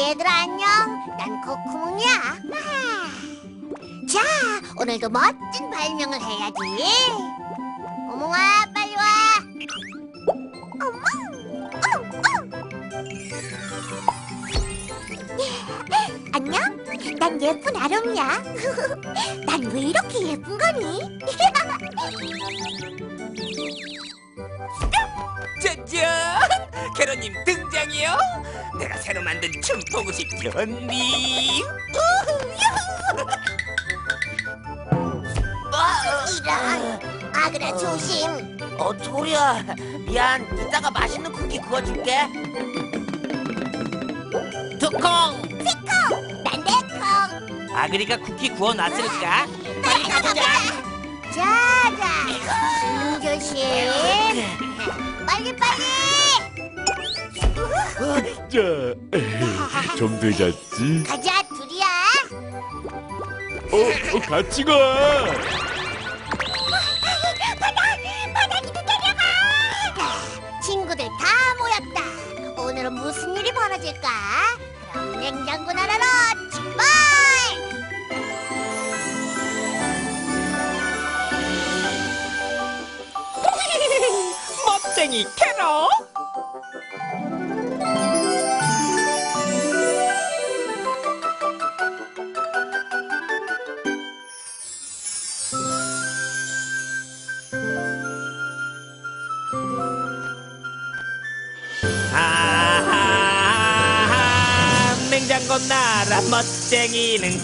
얘들아 안녕. 난 코코몽이야. 자, 오늘도 멋진 발명을 해야지. 오몽아, 빨리 와. 안녕? 난 예쁜 아롬이야. 난 왜 이렇게 예쁜 거니? 짜잔! 캐로님 등장이요. 내가 새로 만든 춤 보고 싶지 언니. 이런. 아그라 조심. 토리야, 미안. 이따가 맛있는 쿠키 구워줄게. 두콩! 피콩, 난 내콩. 아그리가 쿠키 구워놨으니까 빨리 가보자. 자자, 조심. 빨리 빨리. 자, 좀 늦었지? 가자 둘이야. 같이 가. 바닥이도 데려가. 친구들 다 모였다. 오늘은 무슨 일이 벌어질까? 그럼 냉장고 나라로 출발. 멋쟁이 캐로. 냉장고 나라 멋쟁이는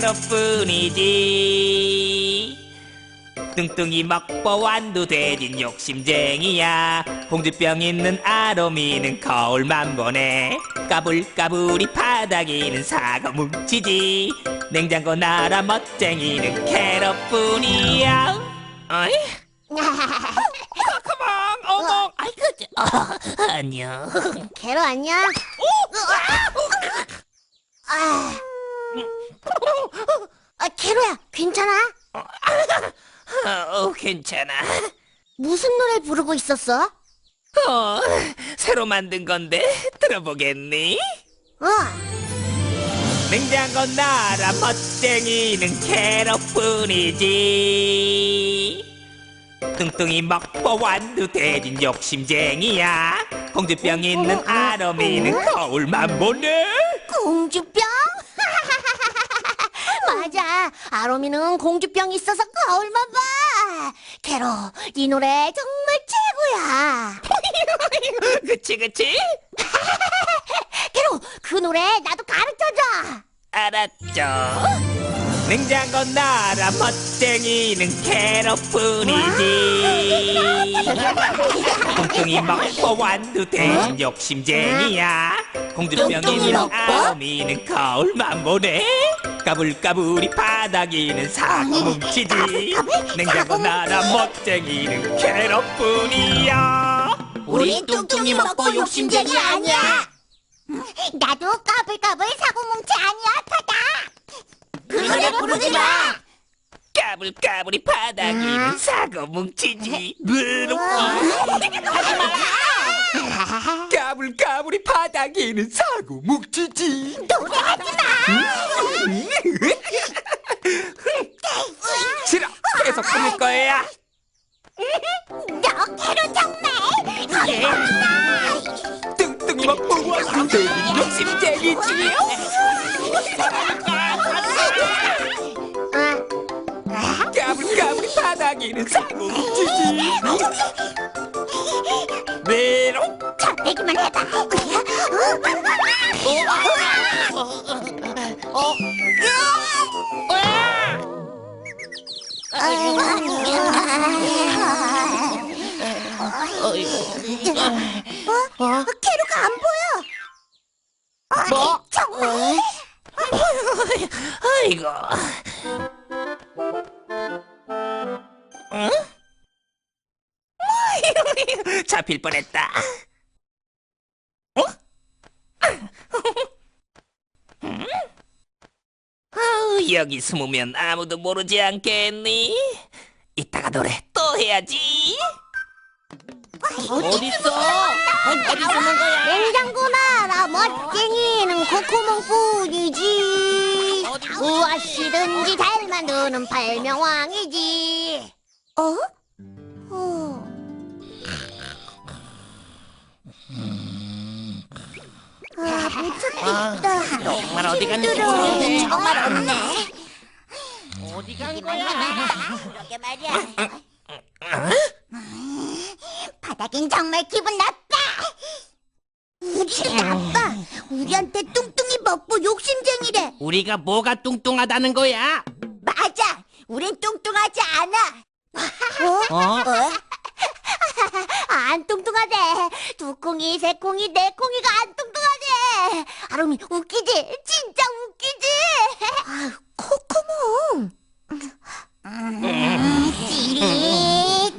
캐럿뿐이지. 뚱뚱이 먹보 완두 돼진 욕심쟁이야. 공주병 있는 아로미는 거울만 보네. 까불까불이 바닥이는 사과 뭉치지. 냉장고 나라 멋쟁이는 캐럿뿐이야. 어이? 가만 어머. 아이고, 안녕. 캐로 안녕. 캐로야, 괜찮아? 괜찮아. 무슨 노래 부르고 있었어? 새로 만든 건데 들어보겠니? 어, 냉장고 나라 멋쟁이는 캐럿뿐이지. 뚱뚱이 먹보 완두 돼진 욕심쟁이야. 공주병 있는 아로미는 거울만 보네. 공주병? 맞아, 아로미는 공주병이 있어서 거울만 봐. 캐로, 이 노래 정말 최고야. 그치 그치? 캐로, 그 노래 나도 가르쳐줘. 알았죠. 냉장고 나라 멋쟁이는 캐럿뿐이지. 뚱뚱이 먹보 완두 돼진 욕심쟁이야. 공주병 있는 아로미는 거울만 보네. 까불까불이 바닥이는 사과 뭉치지. 냉장고 나라 멋쟁이는 캐럿뿐이야. 우린 뚱뚱이 먹고 욕심쟁이 아니야. 나도 까불까불 사고뭉치 아니야, 타다. 그 노래 부르지 마. 까불까불이 바닥이는 사과 뭉치지. 까불까불이 바닥이는 사과 뭉치지. 노래하지 마. 싫어. 계속 부를 거야. 너 캐로 정말. 뚱뚱이 먹고 왔을 때 욕심쟁이지. 까불까불이 바닥이는 사과 뭉치지. 메롱. 자, 내기만 해봐. 캐로가 안 보여. 뭐? 정말? 아이고. 응? 잡힐 뻔했다. 어? 아우, 여기 숨으면 아무도 모르지 않겠니? 이따가 노래 또 해야지. 어딨어? 어디 숨은 거야? 냉장고 나라 멋쟁이는 코코몽뿐이지. 무엇이든지 잘 만드는 발명왕이지. 어? 못 찾겠다. 정말 어디 갔는지 힘들어. 모르겠네. 정말 없네. 어디 간 거야? 그러게 말이야. 바닥엔 정말 기분 나빠. 우리 나빠. 우리한테 뚱뚱이 먹고 욕심쟁이래. 우리가 뭐가 뚱뚱하다는 거야? 맞아. 우린 뚱뚱하지 않아. 어? 안 뚱뚱하대. 두 콩이, 세 콩이, 네 콩이가 안 뚱뚱하대. 아롬이 웃기지? 진짜 웃기지? 코코몽. 찌릿.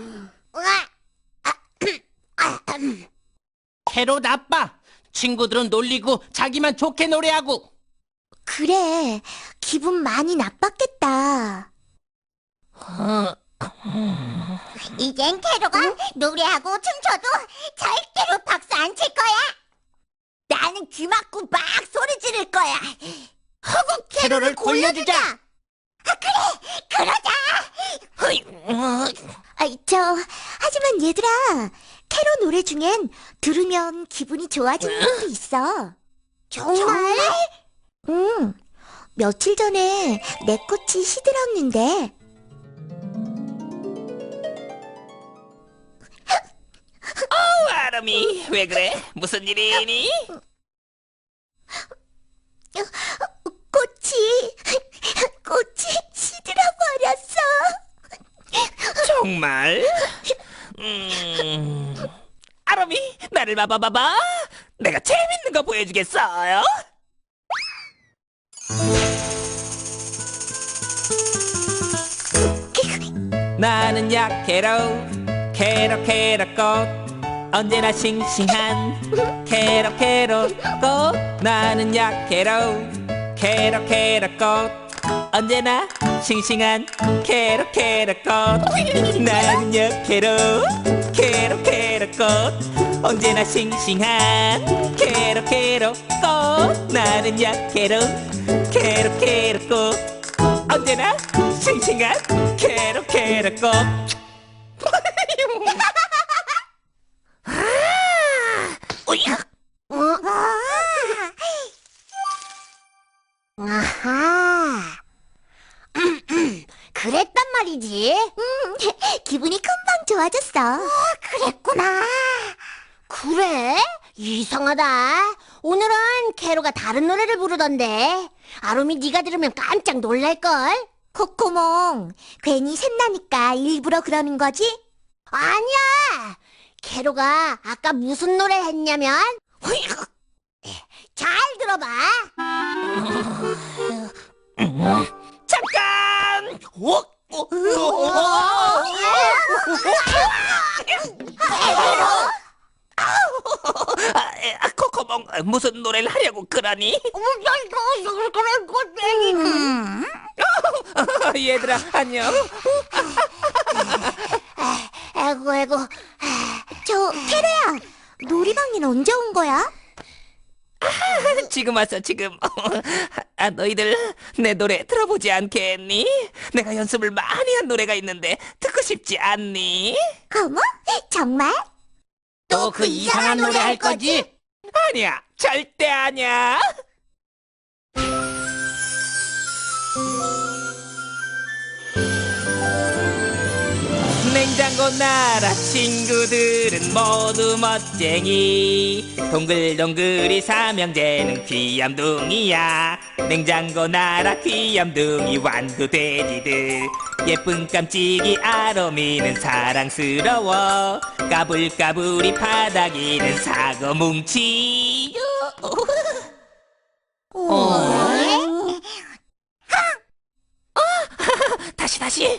캐로 나빠. 친구들은 놀리고 자기만 좋게 노래하고. 그래. 기분 많이 나빴겠다. 이젠 캐로가 노래하고 춤춰도 절대로 박수 안 칠 거야. 나는 귀 막고 막 소리 지를 거야. 하고 캐로를 골려주자. 그래, 그러자. 하지만 얘들아, 캐로 노래 중엔 들으면 기분이 좋아지는 것도 있어. 정말? 응. 며칠 전에 내 꽃이 시들었는데. 아름이 왜 그래? 무슨 일이니? 꽃이 시들어버렸어. 정말? 아름이 나를 봐봐. 내가 재밌는 거 보여주겠어요. 나는 약캐로 캐럿 언제나 싱싱한 캐럿 꽃. 나는 약캐로 캐럿 언제나 싱싱한 캐럿 꽃. 나는 약캐로 캐럿 꽃 언제나 싱싱한 캐럿 꽃. 나는 약캐로 캐럿 꽃 언제나 싱싱한 캐럿 꽃. 아하. 그랬단 말이지. 기분이 금방 좋아졌어. 그랬구나. 그래? 이상하다. 오늘은 캐로가 다른 노래를 부르던데. 아롬이 네가 들으면 깜짝 놀랄걸. 코코몽, 괜히 샘나니까 일부러 그러는 거지? 아니야. 캐로가 아까 무슨 노래 했냐면 잘 들어봐. 잠깐! 코코몽 무슨 노래를 하려고 그러니? 얘들아 안녕. 아이고. 저 캐로야, 놀이방엔 언제 온 거야? 지금 왔어 지금. 너희들 내 노래 들어보지 않겠니? 내가 연습을 많이 한 노래가 있는데 듣고 싶지 않니? 어머, 정말? 또 그 이상한 노래 할 거지? 아니야 절대 아니야. 냉장고 나라 친구들은 모두 멋쟁이. 동글동글이 삼형제는 귀염둥이야. 냉장고 나라 귀염둥이 완두 돼지들. 예쁜 깜찍이 아롬이는 사랑스러워. 까불까불이 바닥이는 사과 뭉치. 다시.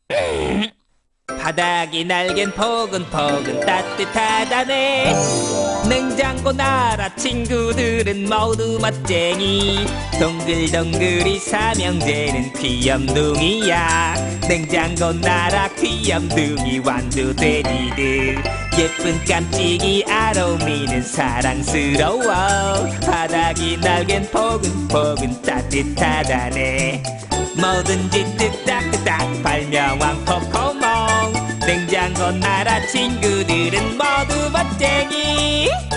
바닥이 날갠 포근포근 따뜻하다네. 냉장고 나라 친구들은 모두 멋쟁이. 동글동글이 삼형제는 귀염둥이야. 냉장고 나라 귀염둥이 완두 돼지들. 예쁜 깜찍이 아로미는 사랑스러워. 바닥이 날겐 포근포근 따뜻하다네. 뭐든지 뚝딱뚝딱 발명왕 코코몽. 냉장고 나라 친구들은 모두 멋쟁이.